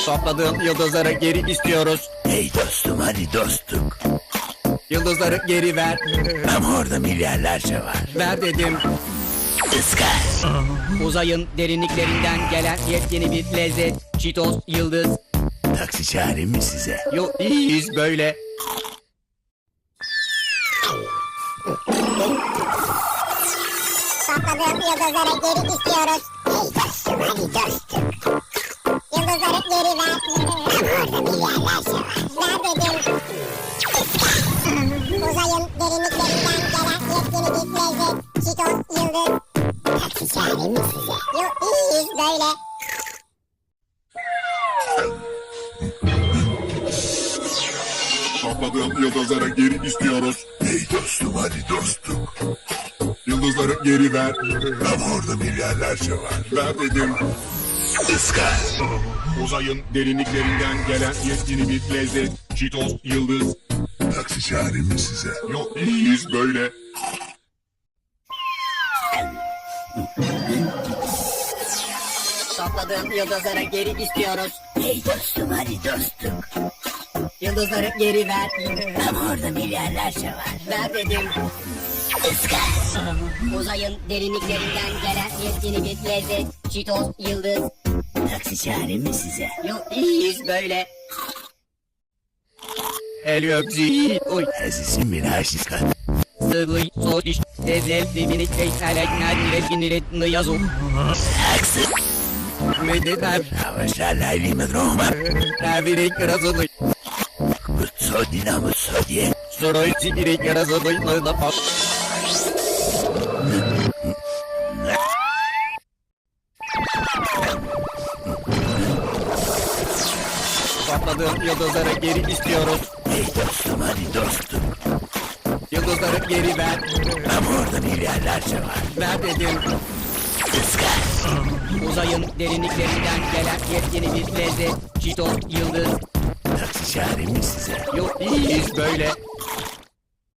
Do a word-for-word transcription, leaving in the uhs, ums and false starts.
Topladığım yıldızları geri istiyoruz. Hey dostum, hadi dostluk. Yıldızları geri ver. Ama orada milyarlarca var. Ver dedim. Iskar. Uzayın derinliklerinden gelen yepyeni bir lezzet. Cheetos yıldız. Taksi çağırayım mı size? Yok iyiyiz böyle. Topladığım yıldızları geri istiyoruz. Hey dostum, hadi dostum. Yıldızları geri ver. Ama orada milyarlarca var. Ver dedim. Uzayın derinliklerinden gelen yepyeni bir lezzet. Cheetos yıldız. Taksi çağırayım mı size? Yok iyiyiz böyle. Topladığım yıldızları geri istiyoruz. Hey dostum, hadi dostluk. Yıldızları geri ver. Ama orada milyarlarca var. Ver dedim. Iskar. Uzayın derinliklerinden gelen yepyeni bir lezzet. Cheetos yıldız. Taksi çağırayım mı size? Yok iyiyiz böyle. Topladığım yıldızları geri istiyoruz. Hey dostum, hadi dostluk. Yıldızları geri ver. Ama orada milyarlarca var. Ver dedim. Iskar. Uzayın derinliklerinden gelen yepyeni bir lezzet. Cheetos yıldız. Taksi çağırayım mı size? Yok iyiyiz böyle. El öpzi. Oy. Azizim bir aşiska. Sıvı soğuk iş. Tezel dibini teyselek nadire biniret nıyazu. Taksi. Mededer. Avaşlarla ilimi Roma. Ravirik razılı. Kutso dinamo sodye. Soroy sikirik razılı. Nıda pop. Topladığım yıldızları geri istiyoruz. Hey dostum, hadi dostluk. Yıldızları geri ver. Ama orada milyarlarca var. Ver dedim. Iskar. Uzayın derinliklerinden gelen yepyeni bir lezzet. Cheetos yıldız. Taksi çağırayım mı size? Yok iyiyiz böyle.